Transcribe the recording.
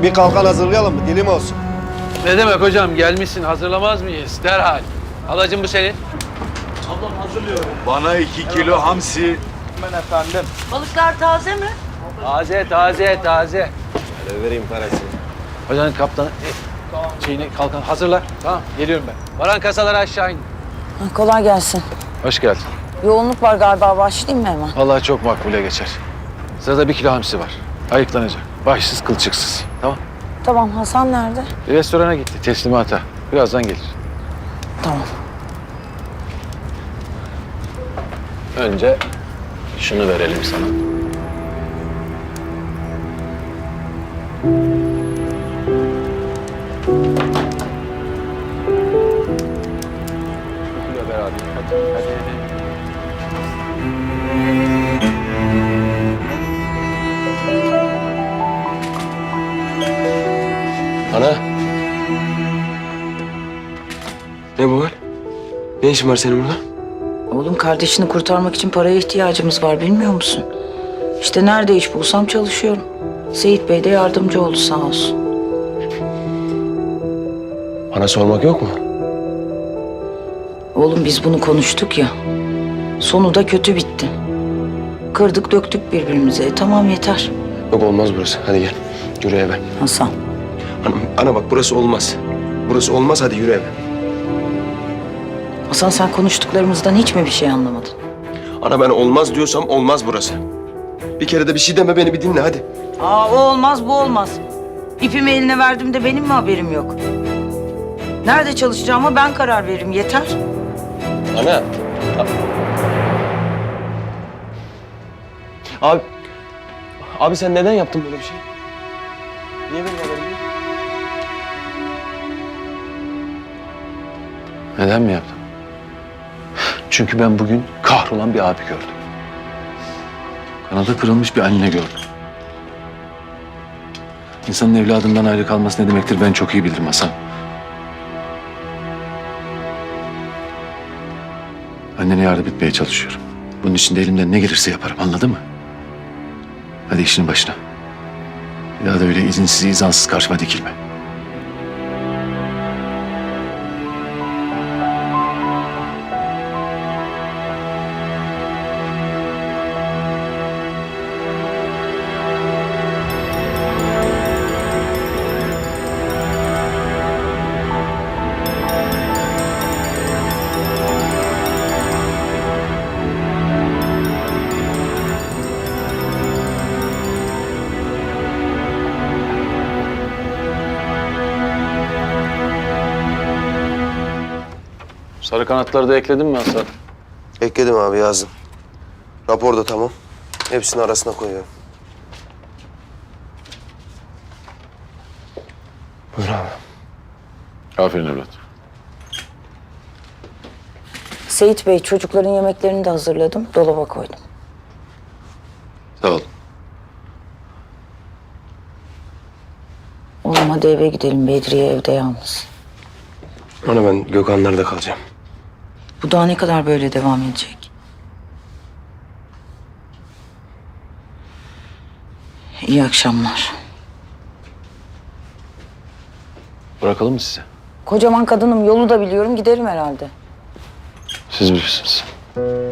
Bir kalkan hazırlayalım mı? Dilim olsun. Ne demek hocam? Gelmişsin, hazırlamaz mıyız? Derhal. Halacığım bu senin. Bana 2 kilo hamsi. Balıklar taze mi? Taze, taze, taze. Hele vereyim parasını. Hocanın kaptanı, şeyini, kalkan hazırla. Tamam, geliyorum ben. Varan kasaları aşağı in. Kolay gelsin. Hoş geldin. Yoğunluk var galiba. Başlayayım mı hemen? Vallahi çok makbule geçer. Sırada 1 kilo hamsi var. Ayıklanacak. Başsız, kılçıksız. Tamam. Tamam. Hasan nerede? Restorana gitti, teslimata. Birazdan gelir. Tamam. Önce şunu verelim sana. Şöyle ver abi. Hadi. Ana. Ne bu hal? Ne işin var senin burada? Oğlum kardeşini kurtarmak için paraya ihtiyacımız var bilmiyor musun? İşte nerede iş bulsam çalışıyorum. Seyit Bey de yardımcı oldu sağ olsun. Bana sormak yok mu? Oğlum biz bunu konuştuk ya. Sonu da kötü bitti. Kırdık döktük birbirimize. Tamam yeter. Yok olmaz burası. Hadi gel. Yürü eve. Hasan. Ana bak burası olmaz. Burası olmaz, hadi yürü eve. Hasan sen konuştuklarımızdan hiç mi bir şey anlamadın? Ana ben olmaz diyorsam olmaz burası. Bir kere de bir şey deme, beni bir dinle hadi. Aa o olmaz bu olmaz. İpimi eline verdim de benim mi haberim yok? Nerede çalışacağıma ben karar veririm yeter. Ana. Abi. Abi sen neden yaptın böyle bir şey? Niye benim haberim yok? Neden mi yaptın? Çünkü ben bugün kahrolan bir abi gördüm. Kanadı kırılmış bir anne gördüm. İnsanın evladından ayrı kalması ne demektir ben çok iyi bilirim Hasan. Annene yardım etmeye çalışıyorum. Bunun için de elimden ne gelirse yaparım, anladın mı? Hadi işinin başına. Bir daha da öyle izinsiz, izansız karşıma dikilme. Sarı kanatları da ekledin mi Hasan? Ekledim abi, yazdım. Rapor da tamam. Hepsini arasına koyuyorum. Buyur abi. Aferin evlat. Seyit Bey çocukların yemeklerini de hazırladım. Dolaba koydum. Sağ ol. Oğlum hadi eve gidelim. Bedriye evde yalnız. Ana ben Gökhanlar'da kalacağım. Bu daha ne kadar böyle devam edecek? İyi akşamlar. Bırakalım mı sizi? Kocaman kadınım. Yolu da biliyorum. Giderim herhalde. Siz bilirsiniz.